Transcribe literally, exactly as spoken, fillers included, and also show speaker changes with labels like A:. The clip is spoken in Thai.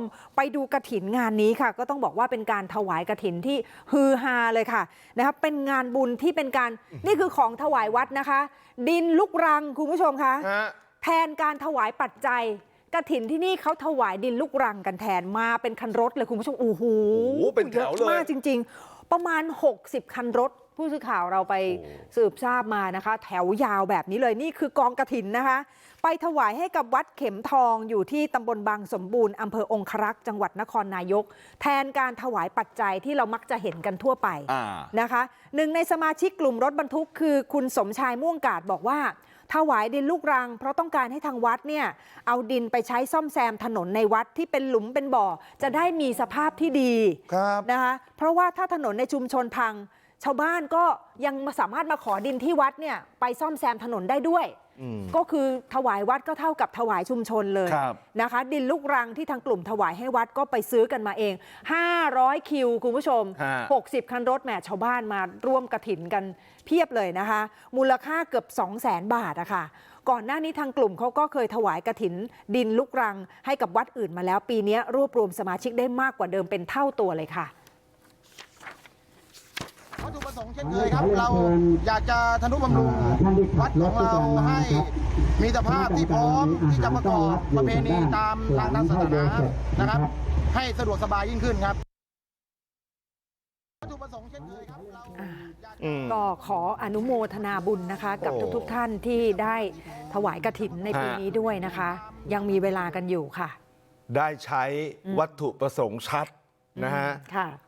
A: ไปดูกฐินงานนี้ค่ะก็ต้องบอกว่าเป็นการถวายกฐินที่ฮือฮาเลยค่ะนะคะเป็นงานบุญที่เป็นการนี่คือของถวายวัดนะคะดินลุกรังคุณผู้ชมคะแทนการถวายปัจจัยกฐินที่นี่เขาถวายดินลูกรังกันแทนมาเป็นคันรถเลยคุณผู้ชมโอ้โหเป็นแถวเลยมากจริงๆประมาณหกสิบคันรถผู้สื่อข่าวเราไปสืบทราบมานะคะแถวยาวแบบนี้เลยนี่คือกองกฐินนะคะไปถวายให้กับวัดเข็มทองอยู่ที่ตำบลบางสมบูรณ์อำเภอองครักษ์จังหวัดนครนายกแทนการถวายปัจจัยที่เรามักจะเห็นกันทั่วไปนะคะหนึ่งในสมาชิกกลุ่มรถบรรทุกคือคุณสมชายม่วงกาดบอกว่าถวายดินลูกรังเพราะต้องการให้ทางวัดเนี่ยเอาดินไปใช้ซ่อมแซมถนนในวัดที่เป็นหลุมเป็นบ่อจะได้มีสภาพที่ดีนะคะเพราะว่าถ้าถนนในชุมชนพังชาวบ้านก็ยังสามารถมาขอดินที่วัดเนี่ยไปซ่อมแซมถนนได้ด้วยก็คือถวายวัดก็เท่ากับถวายชุมชนเลยนะคะดินลูกรังที่ทางกลุ่มถวายให้วัดก็ไปซื้อกันมาเองห้าร้อยคิวคุณผู้ชมหกสิบคันรถแหมชาวบ้านมาร่วมกฐินกันเพียบเลยนะคะมูลค่าเกือบ สองแสน บาทอะค่ะก่อนหน้านี้ทางกลุ่มเขาก็เคยถวายกฐินดินลูกรังให้กับวัดอื่นมาแล้วปีนี้รวบรวมสมาชิกได้มากกว่าเดิมเป็นเท่าตัวเลยค่ะ
B: วัตถุประสงค์เช่นเคยครับเราอยากจะทนุบำรุงวัดของเราให้มีสภาพที่พร้อมที่จะประกอบประเพณีตามทางศาสนานะครับให้สะดวกสบายยิ่งขึ้นครับวัตถุประสงค์เช่นเคยครับเรา
A: ก็ขออนุโมทนาบุญนะคะกับทุกๆท่านที่ได้ถวายกฐินในปีนี้ด้วยนะคะยังมีเวลากันอยู่ค่ะ
C: ได้ใช้วัตถุประสงค์ชัดนะฮะ